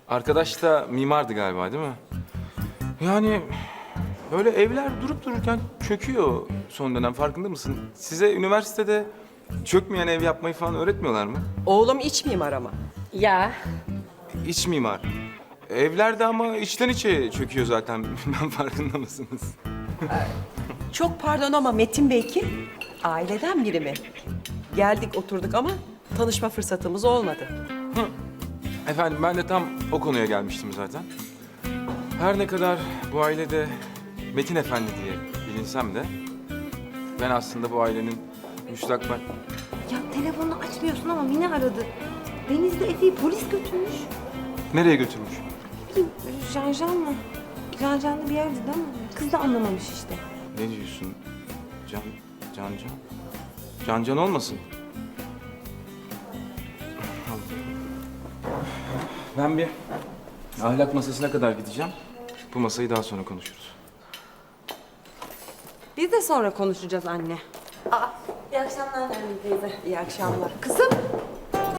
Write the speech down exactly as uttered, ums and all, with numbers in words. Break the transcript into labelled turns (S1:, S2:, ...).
S1: Arkadaş da mimardı galiba değil mi? Yani böyle evler durup dururken çöküyor son dönem, farkında mısın? Size üniversitede çökmeyen ev yapmayı falan öğretmiyorlar mı?
S2: Oğlum iç mimar ama.
S3: Ya
S1: İç mimar. Evlerde ama içten içe çöküyor zaten. Bilmem farkında mısınız?
S2: Çok pardon ama Metin Bey kim? Aileden biri mi? Geldik oturduk ama tanışma fırsatımız olmadı.
S1: Efendim ben de tam o konuya gelmiştim zaten. Her ne kadar bu ailede Metin Efendi diye bilinsem de ben aslında bu ailenin müstakbel...
S4: Ya telefonunu açmıyorsun ama Mine aradı. Deniz de Efe'yi polis götürmüş.
S1: Nereye götürmüş?
S4: Bileyim, Janjan mı? Janjan'da bir yerde değil mi? Kız da anlamamış işte.
S1: Ne diyorsun? Can... Can Can? Can Can olmasın? Ben bir ahlak masasına kadar gideceğim. Bu masayı daha sonra konuşuruz.
S2: Biz de sonra konuşacağız anne.
S4: İyi akşamlar Nermin teyze.
S2: İyi akşamlar. Kızım